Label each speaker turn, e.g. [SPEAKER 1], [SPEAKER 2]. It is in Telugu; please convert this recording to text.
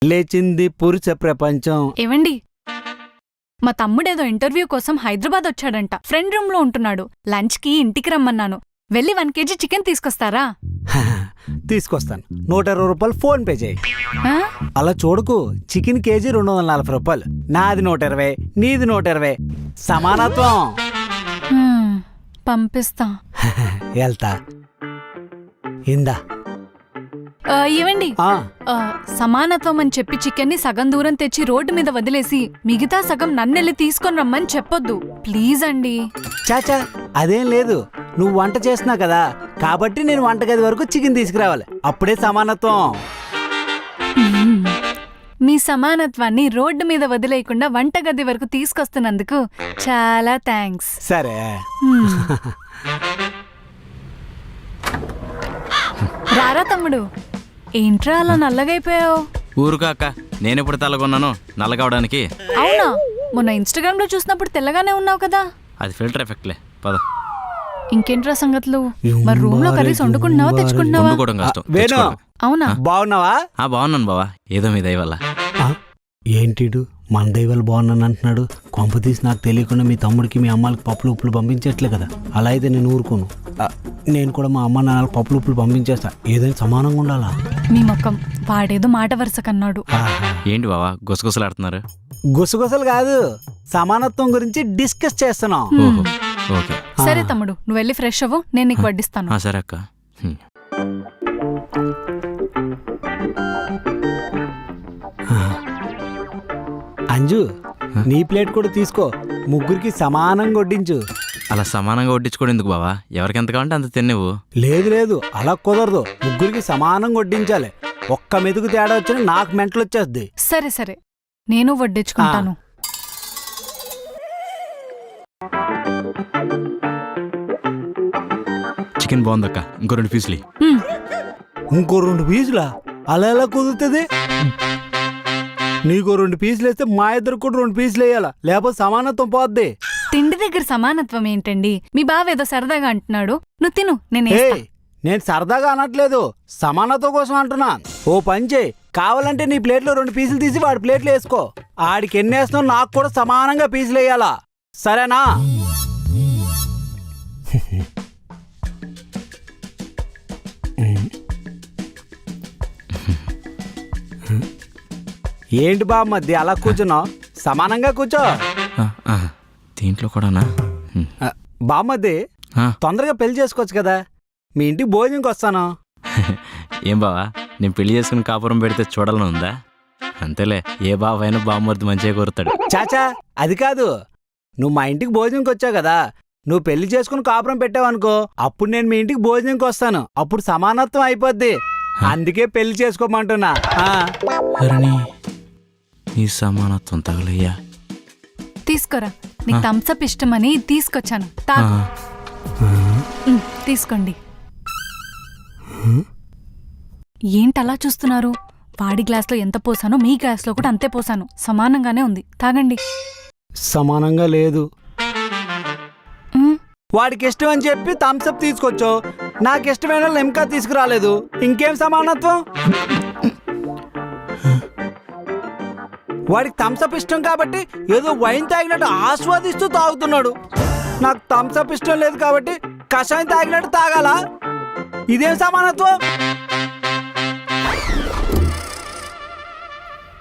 [SPEAKER 1] లేచింది పురుష ప్రపంచం.
[SPEAKER 2] ఏవండి, మా తమ్ముడేదో ఇంటర్వ్యూ కోసం హైదరాబాద్ వచ్చాడంట. ఫ్రెండ్ రూమ్ లో ఉంటున్నాడు. లంచ్ కి ఇంటికి రమ్మన్నాను. వెళ్ళి 1 kg చికెన్ తీసుకొస్తారా?
[SPEAKER 1] తీసుకొస్తాను. 120 రూపాయలు ఫోన్ పే చేయి.
[SPEAKER 2] ఆ?
[SPEAKER 1] అలా చూడకు. చికెన్ కేజీ 240 రూపాయలు. నాది 120, నీది 120. సమానత్వం.
[SPEAKER 2] పంపిస్తా.
[SPEAKER 1] వెళ్తా. ఇందా.
[SPEAKER 2] ఏవండి, సమానత్వం అని చెప్పి చికెన్ని సగం దూరం తెచ్చి రోడ్డు మీద వదిలేసి మిగతా సగం నన్నెళ్ళి తీసుకొని రమ్మని చెప్పొద్దు ప్లీజ్ అండి.
[SPEAKER 1] చాచా, అదేం లేదు. నువ్వు వంట చేస్తున్నావు కదా, కాబట్టి నేను వంటగది వరకు చికెన్ తీసుకురావాలి. అప్పుడే సమానత్వం.
[SPEAKER 2] మీ సమానత్వాన్ని రోడ్డు మీద వదిలేయకుండా వంటగది వరకు తీసుకొస్తున్నందుకు చాలా థ్యాంక్స్.
[SPEAKER 1] సరే.
[SPEAKER 2] రారా తమ్ముడు. ఏంట్రా అలా నల్లగైపోయావు?
[SPEAKER 3] ఊరుకాక, నేనెప్పుడు తెల్లగొన్నాను నల్లగవడానికి?
[SPEAKER 2] అవునా? మొన్న ఇన్స్టాగ్రామ్ లో చూసినప్పుడు తెల్లగానే ఉన్నావు కదా.
[SPEAKER 3] అది ఫిల్టర్ ఎఫెక్ట్లే. పద.
[SPEAKER 2] ఇంకేంట్రా సంగతులు? మరి రూమ్ లో కర్రీస్ వండుకుంటున్నావా తెచ్చుకుంటున్నావా?
[SPEAKER 3] వండుకోవడం కష్టం.
[SPEAKER 1] వేణు,
[SPEAKER 2] అవునా?
[SPEAKER 1] బాగున్నావా?
[SPEAKER 3] బాగున్నాను బావా, ఏదో మీ దయ వల్ల.
[SPEAKER 1] ఏంటిడు మన దైవాలు బాగున్నాను అంటున్నాడు? కొంప తీసి నాకు తెలియకుండా మీ తమ్ముడికి మీ అమ్మాలకి పప్పులు ఉప్పులు పంపించట్లే కదా. అలా అయితే నేను ఊరుకోను. నేను కూడా మా అమ్మ నాన్నలకు పప్పులు ఉప్పులు పంపించేస్తా. ఏదైనా సమానంగా ఉండాలా?
[SPEAKER 2] మీ మొక్కం వాడేదో మాట వరుస కన్నాడు.
[SPEAKER 3] ఏంటి బావా గుసగుసలాడుతున్నారు?
[SPEAKER 1] గుసగుసలు కాదు, సమానత్వం గురించి డిస్కస్ చేస్తున్నాం.
[SPEAKER 3] ఓకే.
[SPEAKER 2] సరే తమ్ముడు, నువ్వు వెళ్ళి ఫ్రెష్ అవ్వు, నేను నీకు వడ్డిస్తాను.
[SPEAKER 3] సరే అక్క.
[SPEAKER 1] అంజు, నీ ప్లేట్ కూడా తీసుకో. ముగ్గురికి సమానంగా వడ్డించు.
[SPEAKER 3] అలా సమానంగా వడ్డించుకోవడం ఎందుకు బావా? ఎవరికి ఎంత కావాలంటే అంత తినేవు.
[SPEAKER 1] లేదు లేదు, అలా కుదరదు. ముగ్గురికి సమానంగా వడ్డించాలి. ఒక్క మెతుకు తేడా వచ్చినా నాకు మెంటలు వచ్చేద్ది.
[SPEAKER 2] సరే సరే, నేను వడ్డించుకుంటాను.
[SPEAKER 3] చికెన్ బాగుందక్క, ఇంకో 2 పీసులు.
[SPEAKER 1] ఇంకో 2 పీసులా? అలా ఎలా కుదురుతుంది? నీకో 2 పీసులు వేస్తే మా ఇద్దరు కూడా 2 పీసులు వేయాలా, లేకపోతే సమానత్వం పోద్ది.
[SPEAKER 2] తిండి దగ్గర సమానత్వం ఏంటండి? మీ బావ ఏదో సరదాగా అంటున్నాడు. నువ్వు తిను,
[SPEAKER 1] నేను సరదాగా అనట్లేదు, సమానత్వం కోసం అంటున్నా. ఓ పని చేయి, కావాలంటే నీ ప్లేట్లో 2 పీసులు తీసి వాడి ప్లేట్లో వేసుకో. ఆడికి ఎన్ని వేస్తున్నావు నాకు కూడా సమానంగా పీసులు వేయాలా, సరేనా? ఏంటి బాబు మధ్య అలా కూర్చున్నావు? సమానంగా కూర్చో.
[SPEAKER 3] దీంట్లో కూడానా?
[SPEAKER 1] బామ్మద్ది, తొందరగా పెళ్లి చేసుకోవచ్చు కదా. మీ ఇంటికి భోజనంకి వస్తాను.
[SPEAKER 3] ఏం బావా, నేను పెళ్లి చేసుకుని కాపురం పెడితే చూడాలని ఉందా? అంతేలే, ఏ బావైనా బామ్మర్ది మంచిగా కోరుతాడు.
[SPEAKER 1] చాచా, అది కాదు. నువ్వు మా ఇంటికి భోజనంకి వచ్చావు కదా, నువ్వు పెళ్లి చేసుకుని కాపురం పెట్టావనుకో, అప్పుడు నేను మీ ఇంటికి భోజనంకి వస్తాను. అప్పుడు సమానత్వం అయిపోద్ది. అందుకే పెళ్లి చేసుకోమంటున్నా.
[SPEAKER 3] నీ సమానత్వం తగలయ్యా.
[SPEAKER 2] తీసుకోరా, నీకు థమ్సప్ ఇష్టమని తీసుకొచ్చాను. తీసుకోండి. ఏంటలా చూస్తున్నారు? వాడి గ్లాస్లో ఎంత పోసానో మీ గ్లాస్లో కూడా అంతే పోసాను. సమానంగానే ఉంది, తాగండి.
[SPEAKER 1] సమానంగా లేదు. వాడికి ఇష్టం అని చెప్పి థమ్సప్ తీసుకొచ్చావు, నాకు ఇష్టమైన లెమ్కా తీసుకురాలేదు. ఇంకేం సమానత్వం? వాడికి థమ్సప్ ఇష్టం కాబట్టి ఏదో వైన్ తాగినట్టు ఆస్వాదిస్తూ తాగుతున్నాడు. నాకు థమ్సప్ ఇష్టం లేదు కాబట్టి కషాయం తాగినట్టు తాగాలా? ఇదేం సమానత్వం?